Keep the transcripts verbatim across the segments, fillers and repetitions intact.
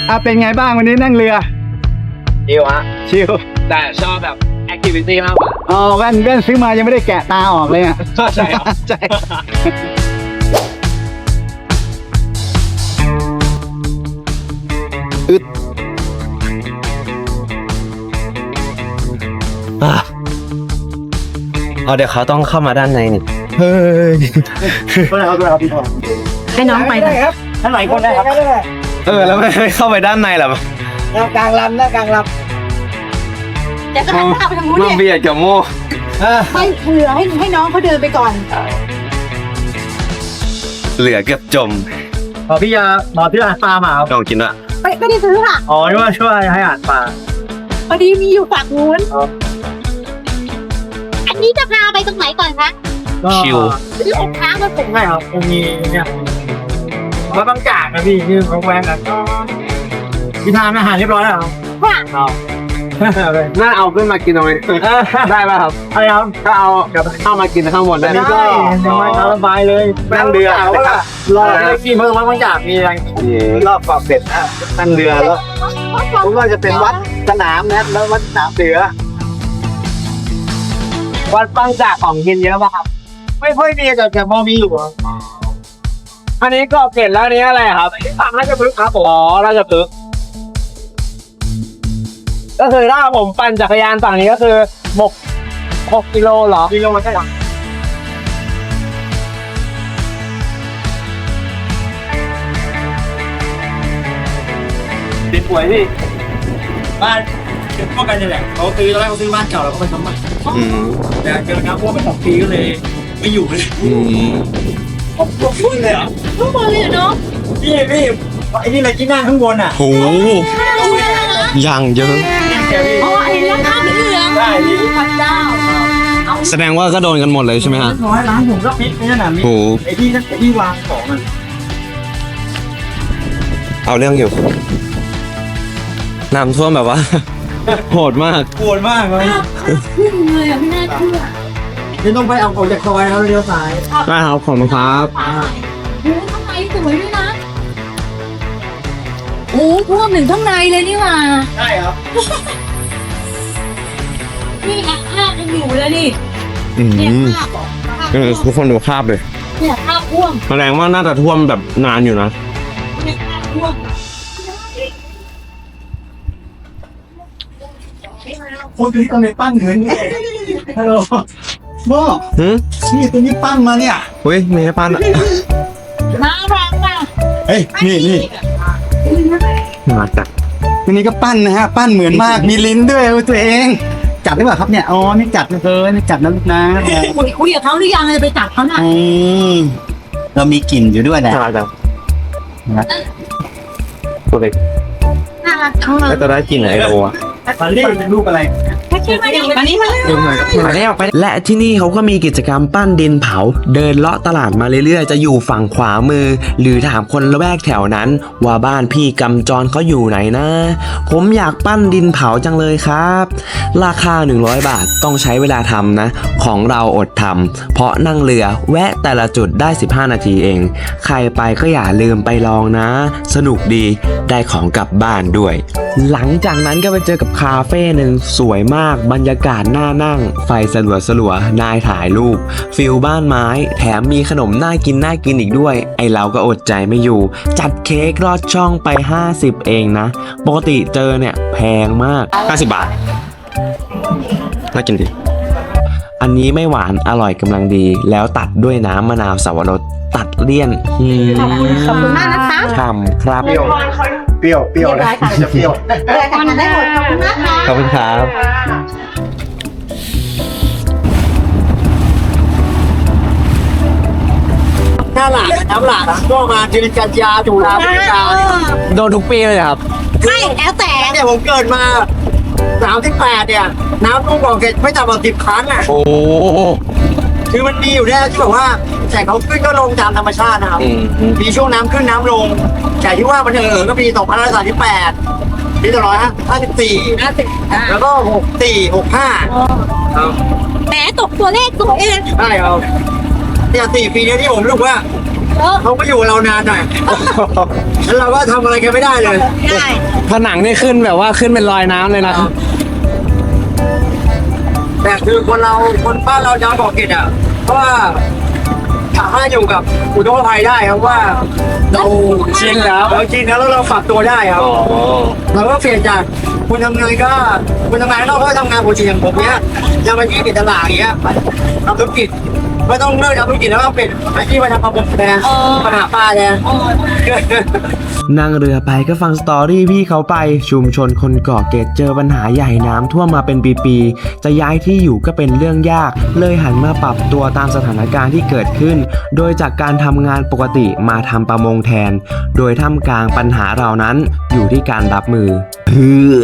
อ่ะเป็นไงบ้างวันนี้นั่งเรือชิวฮะชิวแต่ชอบแบบแอคทิวิตี้มากกว่าอ๋อแว่นแว่นซื้อมายังไม่ได้แกะตาออกเลยอ่ะใช่ใช่อึดอ๋อเดี๋ยวเขาต้องเข้ามาด้านในนี่เฮ้ยก็ได้ครับก็ได้ครับพี่ทองให้น้องไปได้ครับท่านไหนคนได้ครับเออแล้วไม่เข้าไปด้านในหรอหน้ากลางลำหน้ากลางลำแต่ก็หันหน้าไปทางนู้นเนี่ยเบียดกับโม่ให้เหลือให้ให้น้องเขาเดินไปก่อนเหลือเกือบจมพอพี่ยาหมอที่ร้านปลามาครับลองกินวะไม่ไม่ได้ซื้อค่ะอ๋อนี่ว่าช่วยให้อาหารปลาพอดีมีอยู่ฝั่งนู้นอันนี้จะพาไปตรงไหนก่อนคะชิวที่องค์ค้างมาผมใช่ครับองค์นี้เนี่ยมาบางจากนะพี่ที่เขาแวงกันพี่ทานอาหารเรียบร้อยแล้วครับค่ะน่าเอาขึ้นมากินตรงนี้ได้ป่ะครับอะไรครับก็เอาเข้ามากินข้างบนได้ได้ยังไงสบายเลยนั่งเรือรอได้กินเพิ่มบางจากมีอะไรรอบเกาะเป็ดนั่งเรือแล้วผมว่าจะเป็นวัดสนามนะแล้ววัดสนามเสือวัดบางจากของกินเยอะป่ะครับไม่ค่อยมีแต่แต่พอมีอยู่อันนี้ก็เกล็ดแล้วนี้อะไรครับทางราชพฤกษ์ครับอ๋อราชพฤกษ์ก็คือถ้าผมปั่นจักรยานฝั่งนี้ก็คือหกหกกิโลเหรอกิโลใช่ไหมติดป่วยพี่บ้านเป็นพวกกันนี่แหละเขาซื้อตอนแรกเขาซื้อบ้านเก่าแล้วก็ไปทำใหม่แต่เจอน้ำท่วมไปสองปีก็เลยไม่อยู่เลยผมผมพูดเลยเหรอข้างบนเลยเนาะพี่พี่ไอ้นี่อะไรที่นั่งข้างบนอ่ะโอ้ยังเยอะอ๋อไอ้ร้านข้าวเหลืองใช่พระเจ้าแสดงว่าก็โดนกันหมดเลยใช่ไหมฮะน้อยร้านผมก็พิษไม่ใช่หนามิไอ้ที่นั่นไอ้ที่วางของมันเอาเรื่องอยู่น้ำท่วมแบบว่าโหดมากโหดมากเลยขึ้นเลยอ่ะไม่น่าเชื่อนี่ต้องไปเอาออกจากซอยแล้วเลี้ยวซ้ายได้ครับขอบคุณครับโอ้ข้างในสวยด้วยนะโอ้ท่วมถึงข้างในเลยนี่หว่าใช่ครับนี่ภาพยังอยู่เลยนี่เนี่ยภาพเออทุกคนดูภาพเลยเนี่ยภาพท่วมแสดงว่าน่าจะท่วมแบบนานอยู่นะเนี่ยภาพท่วมคนตัวนี้ต้องในปั้นเงินฮัลโหลโม่นี่ตัวนี้ปั้นมาเนี่ยเฮ้ยไม่ใช่ปั้นอะน่ารักอ่ะเฮ้ยนี่นี่มาจัดตัวนี้ก็ปั้นนะฮะปั้นเหมือนมากมีลิ้นด้วยตัวเองจับได้ป่ะครับเนี่ยอ๋อนี่จับเลยนี่จับนะลูกนะคุยคุยกับเขาหรือยังจะไปจับเขาน่ะเรามีกลิ่นอยู่ด้วยแหละจังตัวเล็กน่ารักแล้วจะได้กลิ่นอะไรโอ้ะมันเป็นรูปอะไรอันนี้มาแล้วและที่นี่เขาก็มีกิจกรรมปั้นดินเผาเดินเลาะตลาดมาเรื่อยๆจะอยู่ฝั่งขวามือหรือถามคนละแวกแถวนั้นว่าบ้านพี่กำจรเขาอยู่ไหนนะผมอยากปั้นดินเผาจังเลยครับราคาหนึ่งร้อยบาทต้องใช้เวลาทำนะของเราอดทำเพราะนั่งเรือแวะแต่ละจุดได้สิบห้านาทีเองใครไปก็อย่าลืมไปลองนะสนุกดีได้ของกลับบ้านด้วยหลังจากนั้นก็ไปเจอกับคาเฟ่หนึ่งสวยมากบรรยากาศน่านั่งไฟสลัวสลัวนายถ่ายรูปฟิลบ้านไม้แถมมีขนมน่ากินน่ากินอีกด้วยไอเราก็อดใจไม่อยู่จัดเค้กรอดช่องไปห้าสิบเองนะปกติเจอเนี่ยแพงมากห้าสิบบาทน่ากินดีอันนี้ไม่หวานอร่อยกำลังดีแล้วตัดด้วยน้ำมะนาวสับปะรดตัดเลี่ยนขอบคุณขอบคุณมากนะคะทำครับเปรี้ยวเปรี้ยวเปรี้ยวเลยจะเปรี้ยวแต่ตอนนั้นได้หมดขอบคุณนะคะขอบคุณครับน้ำหลากน้ำหลากก็มาจิริกันยาจุฬาพิการโดนทุกปีเลยครับไม่แล้วแต่เนี่ยผมเกิดมาสามสิบแปดเนี่ยน้ำท่วมบ่อเกล็ดไม่ต่ำกว่าสิบครั้งอ่ะโอ้คือมันมีอยู่แน่ที่แบบว่าแต่เขาขึ้นก็ลงตามธรรมชาตินะครับมีช่วงน้ำขึ้นน้ำลงแต่ที่ว่ามันเออก็มีสองพันห้าร้อยสามสิบแปดปีต่อร้อยห้าสิบสี่แล้วก็หกสี่หกห้าแหมตกตัวเลขตัวเองใช่ครับเนี่ยสี่ปีนี้ที่ผมรู้ว่าเขาก็อยู่กับเรานานหน่อยแล้วเราก็ทำอะไรกันไม่ได้เลยได้ผนังนี่ขึ้นแบบว่าขึ้นเป็นรอยน้ำเลยนะแต่คือคนเราคนบ้านเราจะบอกเกตอ่ะเพราะว่าสามารถอยู่กับอุทกภัยได้ครับว่าเราชินแล้วเราชินแล้วแล้วเราปรับตัวได้ครับเราก็เปลี่ยนจากคุณทำงานก็คุณทำงานนอกก็ทำงานปกติอย่างผมเนี้ยจะมาที่ติดตลาดอย่างเงี้ยทำธุรกิจไม่ต้องเลิกทำธุรกิจแล้วก็เป็นอาชีพมาทำประมงแทนมาหาปลาแทนนั่งเรือไปก็ฟังสตอรี่พี่เขาไปชุมชนคนเกาะเกร็ดเจอปัญหาใหญ่น้ำท่วมมาเป็นปีๆจะย้ายที่อยู่ก็เป็นเรื่องยากเลยหันมาปรับตัวตามสถานการณ์ที่เกิดขึ้น โดยจากการทำงานปกติมาทำประมงแทน โดยท่ามกลางปัญหาเหล่านั้นอยู่ที่การรับมือเพื่อ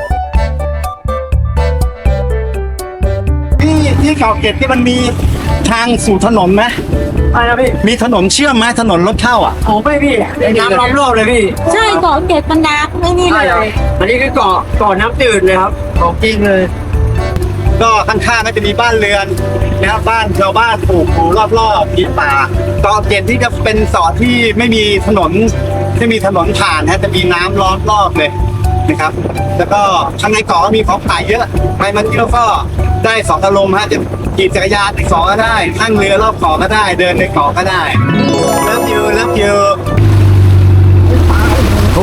ที่ที่เกาะเกร็ดที่มันมีทางสู่ถนนไหมอะไรนะพี่มีถนนเชื่อมไหมถนนรถเข้าอ่ะโอ้ไม่พี่น้ำล้อมรอบเลยพี่ใช่เกาะเกร็ดมันน้ำไม่นี่ใช่เลครับยอันนี้คือเกาะเกาะน้ำจืดเลยครับของจริงเลยก็ข้างๆก็จะมีบ้านเรือนนะครับบ้านชาวบ้านปลูกอยู่รอบๆมีป่าเกาะเกร็ดที่จะเป็นเกาะที่ไม่มีถนนไม่มีถนนผ่านฮะจะมีน้ำล้อมรอบเลยนะครับ แล้วก็ข้างในเกาะก็มีของขายเยอะไปมาเที่ยวก็ได้สองอารมณ์ฮะจะขี่จักรยานในเกาะก็ได้นั่งเรือรอบเกาะก็ได้ เดินในเกาะก็ได้เลิฟยูเลิฟยูโอ้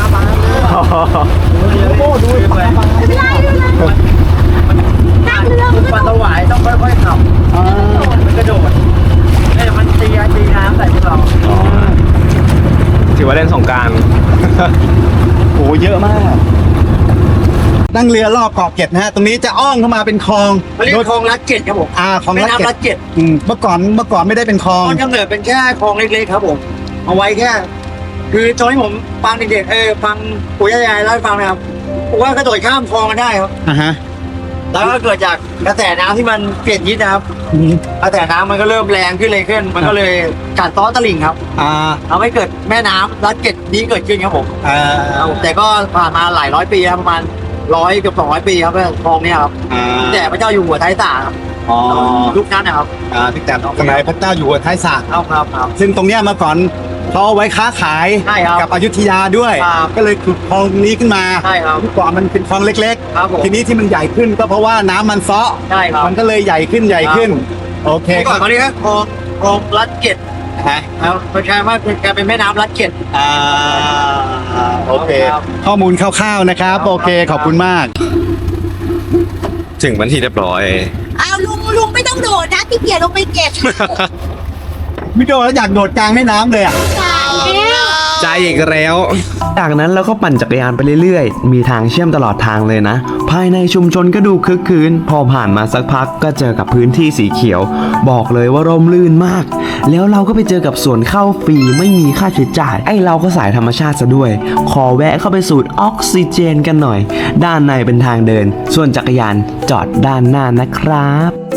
น้ำเรือมันปลาสวายต้องค่อยๆขับมันกระโดดเนี่ยมันตีตีน้ำใส่พวกเราถือว่าเล่นสงกรารโอ้เยอะมาก นั่งเรือรอบเกาะเกร็ดนะฮะ ตรงนี้จะอ้อมเข้ามาเป็นคลองเขาเรียกคลองลัดเกตครับผมอ่าคลองแม่ลัดเกน้ำร็ลัดดเกตอืมเมื่อก่อนเมื่อก่อนไม่ได้เป็นคลองต้นกำเนิดเป็นแค่คลองเล็กๆครับผมเอาไว้แค่ คือตอนที่ผมฟังเด็กๆเออฟังปู่ย่ายายเล่าให้ฟังนะครับผมว่ากระโดดข้ามคลองกันได้ครับอ่าฮะแล้วก็เกิดจากกระแสน้ำที่มันเปลี่ยนทิศนะครับอืมกระแสน้ำมันก็เริ่มแรงขึ้นเลยขึ้น มันก็เลยกัดซ้อตลิ่งครับอ่าทำให้เกิดแม่น้ำลัดเกตนี้เกิดขึ้นครับผมอ่าครับผมแต่ก็ผ่านมาหลายร้อยปีครับประมาณร้อยเกือบสองร้อยปีครับคลองเนี้ยครับอ่าแต่พระเจ้าอยู่หัวท้ายสาครับอ๋อยุคนั้นนะครับอ่าที่แต่สมัยพระเจ้าอยู่หัวท้ายสระครับครับครับซึ่งตรงเนี้ยเมื่อก่อนเขาเอาไว้ค้าขายใช่ครับกับอยุธยาด้วยครับก็เลยขุดคลองนี้ขึ้นมาใช่ครับเมื่อก่อนมันเป็นคลองเล็กครับผมๆ ทีนี้ที่มันใหญ่ขึ้นก็เพราะว่าน้ำมันเซาะใช่ครับมันก็เลยใหญ่ขึ้นใหญ่ขึ้น โอเคเมื่อคก่อรันบเขาเรียกว่าคลองคลองลัดเกตฮะครับมันกลายว่ากลายเป็นแม่น้ำลัดเกตอ่าโอเคครับข้อมูลคร่าวๆนะครับครับโอเคขอบคุณมากถึงวันที่เรียบร้อยอ้าวลุงลุงไม่ต้องโดดนะที่เกียจลงไปเก็บมิโดแล้วอยากโดดกลางแม่น้ำเลยอ่ะตายแล้วใจอีกแล้วจากนั้นเราก็ปั่นจักรยานไปเรื่อยๆ มีทางเชื่อมตลอดทางเลยนะ ภายในชุมชนก็ดูคึกคืน พอผ่านมาสักพักก็เจอกับพื้นที่สีเขียว บอกเลยว่าร่มรื่นมาก แล้วเราก็ไปเจอกับสวนเข้าฟรีไม่มีค่าใช้จ่าย ไอ้เราก็สายธรรมชาติซะด้วย ขอแวะเข้าไปสูดออกซิเจนกันหน่อย ด้านในเป็นทางเดิน ส่วนจักรยานจอดด้านหน้านะครับ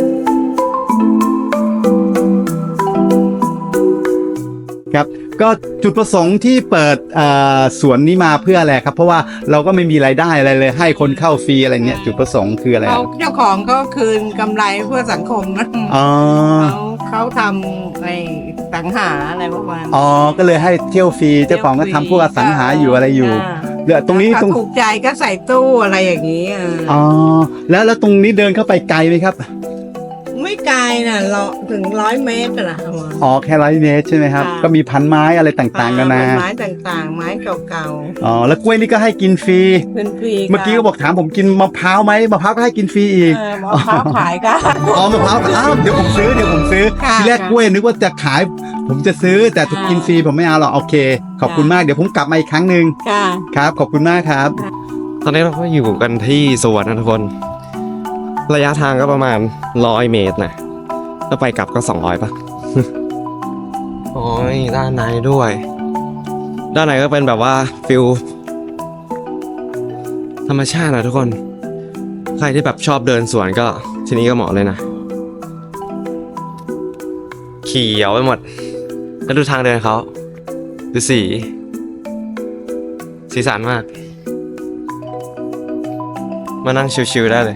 ครับก็จุดประสงค์ที่เปิดเอ่อสวนนี้มาเพื่ออะไรครับ เพราะว่าเราก็ไม่มีรายได้อะไรเลย ให้คนเข้าฟรีอะไรเงี้ยจุดประสงค์คืออะไรเขาเจ้าของก็คืนกำไรเพื่อสังคมนะอ๋อเขาเขาทำไอ้สังหาอะไรประมาณอ๋อก็เลยให้เที่ยวฟรีเจ้าของก็ทำพวกอสังหาอยู่อะไรอยู่เหลือตรงนี้ถ้าตรงถูกใจก็ใส่ตู้อะไรอย่างนี้เอออ๋อแล้วแล้วตรงนี้เดินเข้าไปไกลไหมครับไม่ไกลนะเราถึงร้อยเมตรนะประมาณอ๋อแค่ร้อยเมตรใช่ไหมครับค่ะก็มีพันไม้อะไรต่างๆกันนะไม้ต่างๆ ไม้เก่าอ๋อแล้วกล้วยนี่ก็ให้กินฟรีๆเป็นฟรีเมื่อกี้ก็บอกถามผมกินมะพร้าวไหมมะพร้าวก็ให้กินฟรีอีกเออมะพร้าวขายก็อ๋อมะพร้าวอ้าวเดี๋ยวผมซื้อเดี๋ยวผมซื้อค่ะทีแรกค่ะกล้วยนึกว่าจะขาย ผมจะซื้อแต่ถูกค่ะกินฟรีผมไม่เอาหรอกโอเค ขอบคุณค่ะมากเดี๋ยวผมกลับมาอีกครั้งหนึ่งค่ะครับ ขอบคุณมากครับตอนนี้เราก็อยู่กันที่สวนนะทุกคน ระยะทางก็ประมาณร้อยเมตรนะแล้วไปกลับก็สองร้อยป่ะ โอ้ยด้านในด้วย ด้านในก็เป็นแบบว่าฟิลธรรมชาตินะทุกคน ใครที่แบบชอบเดินสวนก็ที่นี่ก็เหมาะเลยนะ เขียวไปหมด แล้วดูทางเดินเขาดูสี สีสันมาก มานั่งชิวๆได้เลย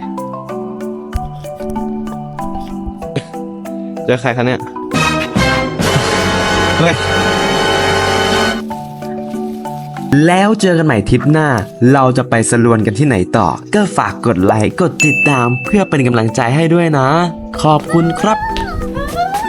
เจอใครคะเนี่ย เฮ้ยแล้วเจอกันใหม่ทริปหน้า เราจะไปสลวนกันที่ไหนต่อ ก็ฝากกดไลค์กดติดตามเพื่อเป็นกำลังใจให้ด้วยนะ ขอบคุณครับ